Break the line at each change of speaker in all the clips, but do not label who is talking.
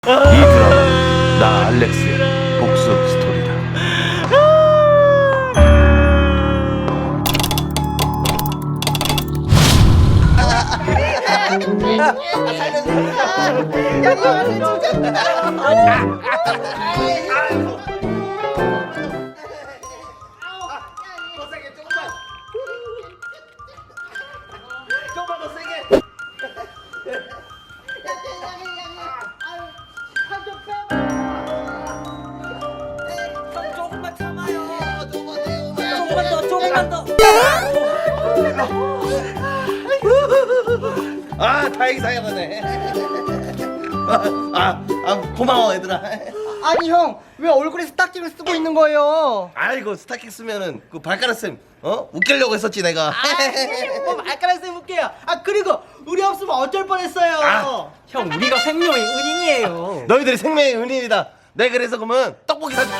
이 드라마 나 알렉스의 복수 스토리다.
조금만 더 세게. 조금만 참아요. 조금만 더. 아, 다행히 살아나네. 고마워 얘들아.
아니 형, 왜 얼굴에 스타킹을 쓰고 있는 거예요?
아이고 스타킹 쓰면은 그 발가락 쌤 웃기려고 했었지 내가.
뭐 말가락 쌤 웃겨요. 그리고 우리 없으면 어쩔 뻔했어요.
형, 우리가 생명의 은인이에요.
너희들이 생명의 은인이다. 내가 그래서 그러면 떡볶이 사줄게.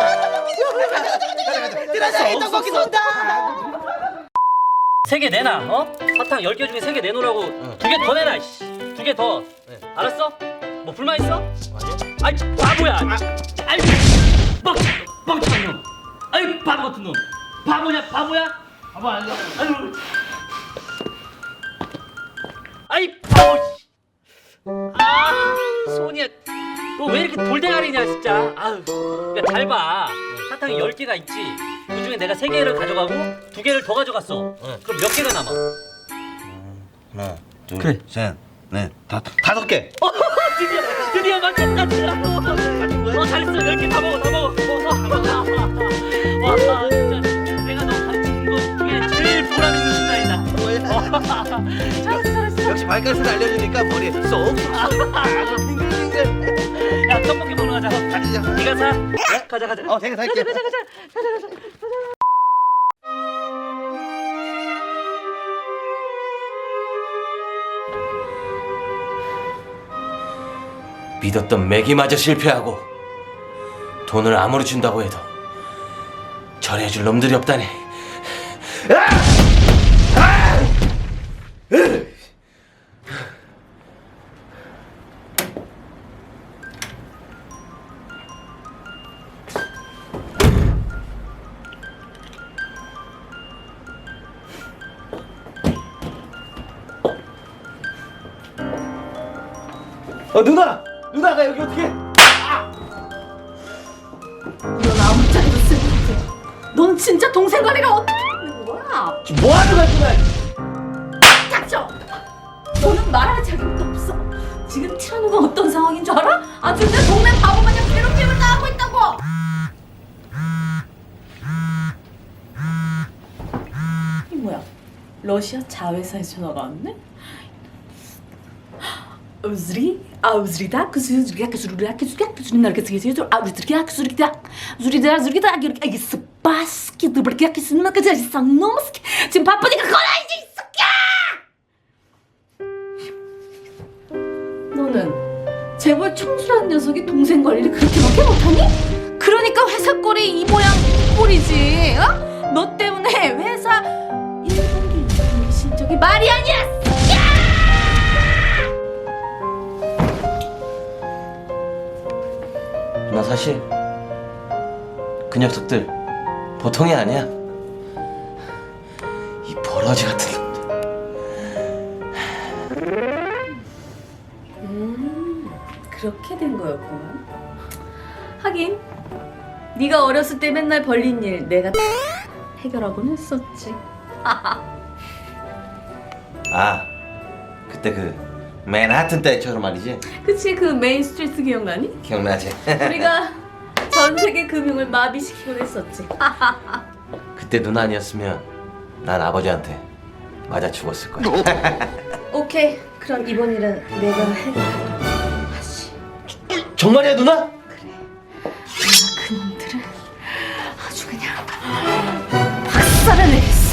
뜨라시 떡볶이 쏜다.
3개 내놔, 어? 사탕 10개 중에 3개 내놓으라고 2개 더 내놔, 씨. 2개 더. 알았어? 뭐 불만 있어? 아이, 바보야. 아이, 뻥치한 놈. 아이, 바보 같은 놈. 바보야? 바보 아니야. 아유. 아이, 바보, 씨. 손이야. 너 왜 이렇게 돌대가리냐, 진짜. 아유. 그러니까 잘 봐. 사탕이 10개가 있지. 그 중에 내가 3개를 가져가고 2개를 더 가져갔어. 그럼 몇 개가 남아?
하나, 둘,
그래.
셋, 넷, 다섯 개.
드디어 맞췄다. 잘했어. 10개 다 먹어. 와, 진짜 내가 너 가르친 거 중에 제일 보람 있는 순간이다. 잘했어.
역시 발가락을 알려주니까 머리에 쏙.
야, 떡볶이 먹으러 가자.
가자.
네가 사. 가자.
제가 살게.
가자.
믿었던 맥이마저 실패하고 돈을 아무리 준다고 해도 절해줄 놈들이 없다니.
누나가 여기 어떻게?
넌 아무짝에도 쓸모없어. 넌 진짜 동생 관리를 어떻게 하는 거야?
뭐 하는 거야 누나?
닥쳐! 너는 말할 자격도 없어. 지금 티라노가 어떤 상황인 줄 알아? 아주 내 동네 바보 마냥 괴롭힘을 당하고 있다고! 이 뭐야? 러시아 자회사에서 전화가 왔네? 우즈리다 그즈리다 그즈리다 지금 바쁘니까 꺼놔야지 이 새끼야. 너는 재벌 청수라는 녀석이 동생 관리를 그렇게밖에 못하니? 그러니까 회사 꼴이 이 모양 이 꼴이지. 어? 너 때문에 회사 1분기 2분기 실적이 말이 아니야.
나 사실 그 녀석들 보통이 아니야. 이 버러지 같은 놈들.
그렇게 된 거였구나. 하긴 네가 어렸을 때 맨날 벌린 일 내가 다 해결하곤 했었지.
그때 그 맨하튼 때처럼 말이지.
그치, 그 메인 스트리트 기억나니?
기억나지?
우리가 전 세계 금융을 마비시키곤 했었지.
그때 누나 아니었으면 난 아버지한테 맞아 죽었을 거야.
오케이, 그럼 이번 일은 내가 해결하도록 하지.
정말이야 누나?
내가 그놈들을 아주 그냥 박살을 내겠어.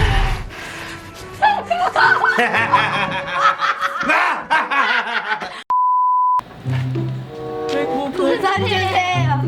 부산이에요.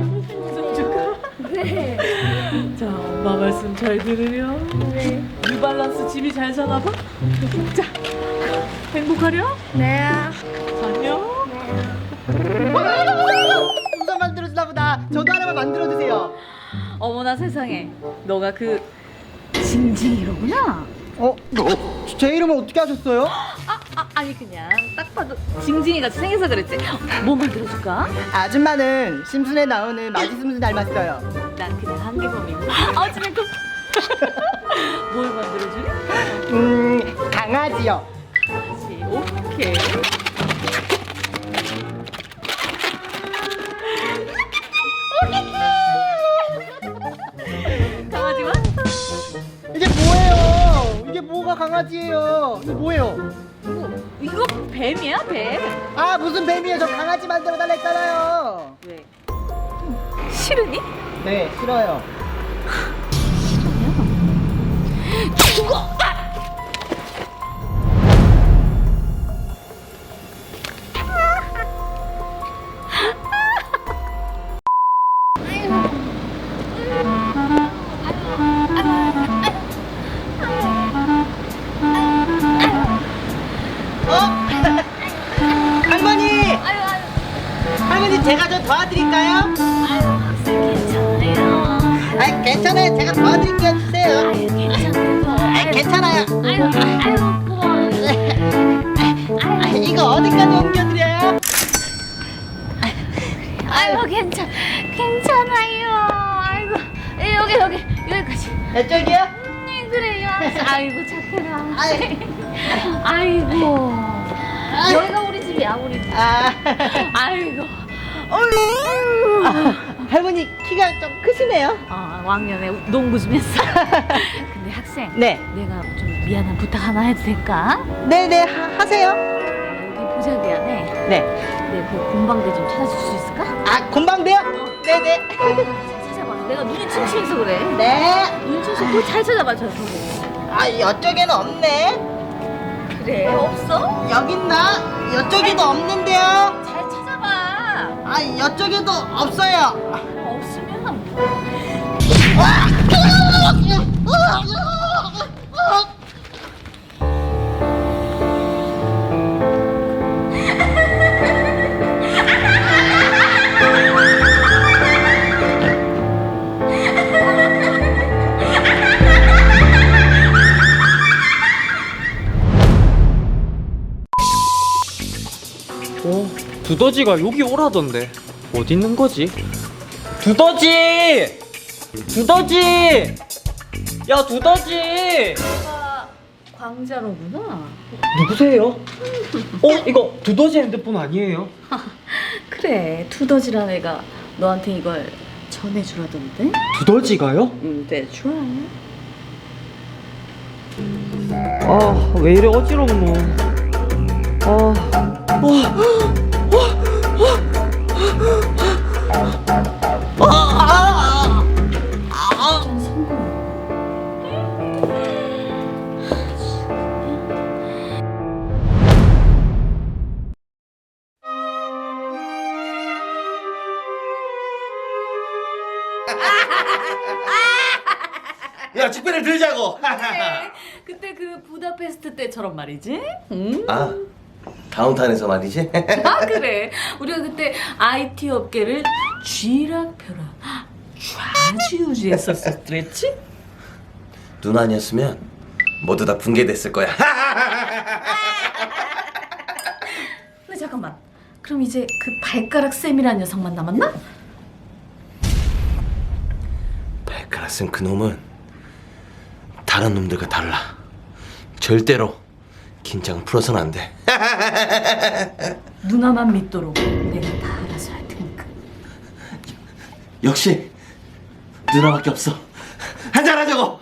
네.
자, 엄마 말씀 잘 들으렴. 네. 뉴발란스 짐이 잘 사나 봐? 자, 행복하렴?
네.
안녕?
풍선 만들어주나 보다. 저도 하나만 만들어주세요.
어머나 세상에, 너가 그 징징이로구나.
제 이름을 어떻게 하셨어요?
아니 그냥 딱 봐도 징징이 같이 생겨서 그랬지. 뭐 만들어줄까?
아줌마는 심순에 나오는 마지숨순 닮았어요.
난 그냥 한계범이고. 어쩌면 그 뭘 만들어주니?
강아지요.
강아지. 오케이. 강아지만?
이게 뭐예요? 이게 뭐가 강아지예요? 이게 뭐예요?
이거 뱀이야 뱀.
아 무슨 뱀이에요? 저 강아지 만들어 달라 했잖아요.
왜? 싫으니?
네 싫어요.
죽어!
할머니! 할머니 제가 좀 도와드릴까요?
괜찮아요.
아 괜찮아요. 제가 도와드릴게요. 주세요.
괜찮아요.
괜찮아요.
고마워.
이거 어디까지 옮겨드려요?
괜찮아요. 아이고, 여기까지.
이쪽이요?
네, 그래요. 아이고, 착해라. 아이고. 여기가 우리 집이야, 우리 집. 아이고.
할머니 키가 좀 크시네요.
왕년에 농구 좀 했어. 근데 학생.
네.
내가 좀 미안한 부탁 하나 해도 될까?
네네 하세요.
여기 보자기안에
네.
내 그 공방대 좀 찾아줄 수 있을까?
아 곤방대요? 네네.
찾아봐. 내가 눈이 침침해서 그래.
네.
눈 침침 꼭잘 찾아봐, 저 보고.
아 이쪽에는 없네.
그래, 없어?
여기 있나? 이쪽에도 없는데요.
잘 찾아봐.
아 이쪽에도 없어요.
없으면
두더지가 여기 오라던데 어디 있는 거지? 두더지! 두더지! 야 두더지!
내가 광자로구나.
누구세요? 이거 두더지 핸드폰 아니에요?
그래, 두더지란 애가 너한테 이걸 전해주라던데?
두더지가요?
네, 좋아.
아 왜 이래 어지럽노.
야 직배를 들자고.
그때 그 부다페스트 때처럼 말이지?
아 다운타운에서 말이지.
그래. 우리가 그때 IT 업계를 쥐락펴락 좌지우지했었었지?
누나 아니었으면 모두 다 붕괴됐을 거야.
근데 잠깐만. 그럼 이제 그 발가락 쌤이라는 녀석만 남았나?
발가락 쌤 그놈은 다른 놈들과 달라. 절대로 긴장을 풀어서는 안 돼.
누나만 믿도록 내가 다 알아서 할 테니까.
역시 누나밖에 없어. 한잔하자고.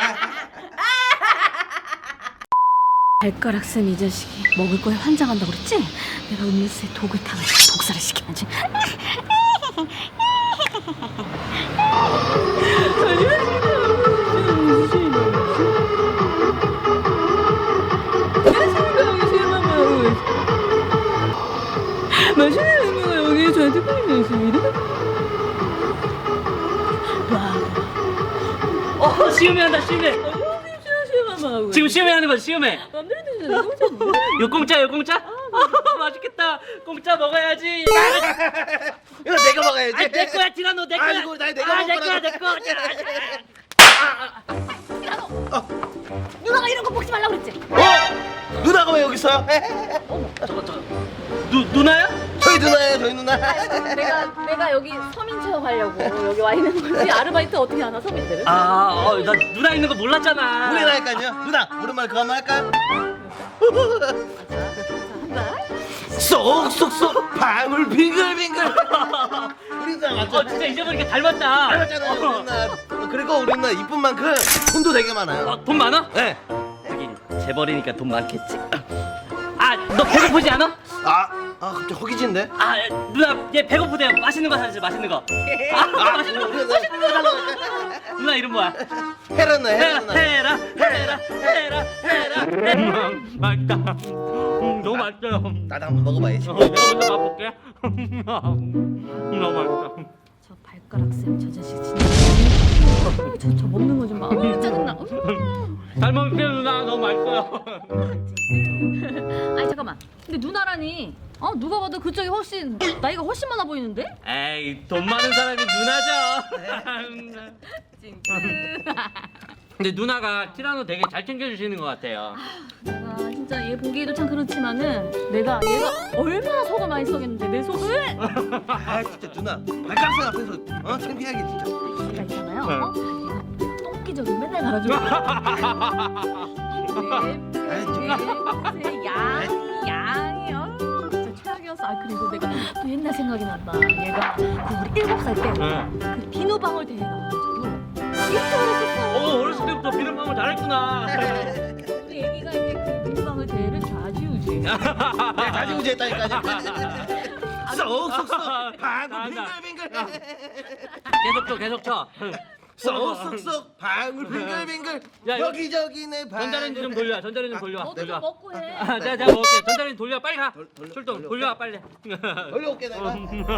발가락 쌤 이 자식이 먹을 거에 환장한다고 그랬지? 내가 음료수에 독을 타가지고 독살을 시켜야지.
맛있는 음료가 여기 저한테 보이면 있습니다.
시음회 한다, 시음회. 지금 시음회 하는 거지, 시음회.
맘대로 드시는 거
요 공짜, 요 공짜? 맛있겠다. 공짜 먹어야지.
이거 내가 먹어야지.
아, 내 거야 티라노 내 거야.
아이고, 나 내가
내
먹어라.
거야 내 거.
누나가 이런 거 먹지 말라 그랬지?
누나가 왜 여기 있어요?
누나야?
저희 누나예요, 저희 누나.
내가 여기 서민 체험하려고 여기 와 있는 거지. 아르바이트 어떻게 하나 서민들은?
나 누나 있는 거 몰랐잖아.
우리라니까요. 누나, 오랜만에 그거 한번 할까요?
한다.
쏙쏙쏙 방울 빙글빙글. 우리 누나 맞죠?
진짜 잊어버리니까 닮았다.
닮았잖아요, 우리 누나. 그리고 우리 누나 이쁜 만큼 돈도 되게 많아요.
돈 많아?
네.
하긴 재벌이니까 돈 많겠지. 너 배고프지 않아?
갑자기 허기진데?
누나 얘 배고프대요. 맛있는 거 사주세요. 맛있는 거. 맛있는 거. 맛있는 거. 누나 이름 뭐야?
헤라 누나, 헤라 누나.
헤라. 맛있다. 너무 맛있어요.
나도 한번 먹어봐야지.
내가 먼저 맛볼게. 너무 맛있다.
저 발가락 쌤저 자식 진짜. 저 먹는 거 좀 봐. 짜증나.
잘 먹을게요 누나. 너무 맛있어요.
아니 잠깐만. 근데 누나라니. 누가 봐도 그쪽이 훨씬 나이가 훨씬 많아 보이는데?
에이 돈 많은 사람이 누나죠. 근데 누나가 티라노 되게 잘 챙겨주시는 것 같아요.
내가 진짜 얘 보기에도 참 그렇지만은 얘가 얼마나 속을 많이 썩였는데 내 속을
진짜 누나. 발가락쌤 앞에서 창피하게 진짜.
얘가 있잖아요. 얘가 똥기적인 맨날 갈아주고 양이요. 진짜 최악이었어. 그리고 내가 또 옛날 생각이 난다. 얘가 그 우리 7살 때 그 비누방울 대회 나와가지고 이렇게 어렸었어.
어렸을 때부터 비눗방울 잘했구나.
우리 애기가 이제 그 비누방울 대회를 좌지우지.
자지우지 했다니까요. 쏙쏙쏙 방울 빙글빙글.
계속 쳐.
쏙쏙쏙 방울 빙글빙글.
야, 이거
여기저기 내 방울.
전자레인지 좀 돌려. 전자레인지 좀 돌려.
너도 좀 먹고 해.
내가 먹을게. 전자레인지 돌려. 빨리 가. 출동. 돌려 빨리.
돌려올게 내가.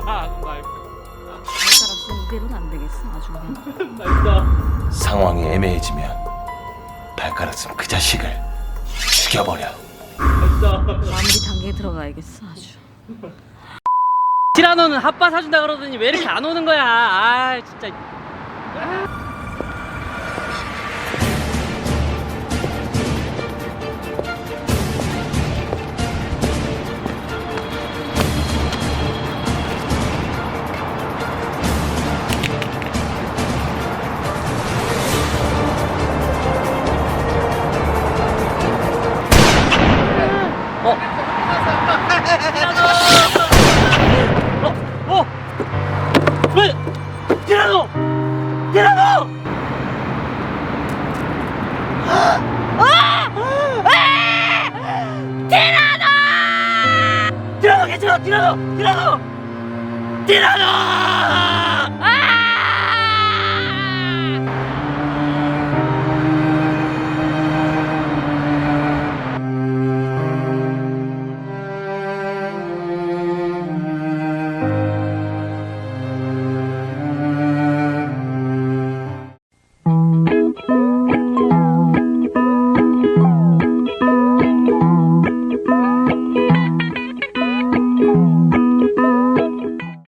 발가락 쌤 이대로는 안 되겠어. 아주 그냥.
맛있어.
상황이 애매해지면 발가락쌤 그 자식을 죽여버려.
맛있어.
마무리 단계에 들어가야겠어. 아주.
티라노는 핫바 사준다 그러더니 왜 이렇게 안 오는 거야? 진짜. 왜? 티라노! 티라노! 티라노 괜찮아! 티라노! 티라노! 티라노!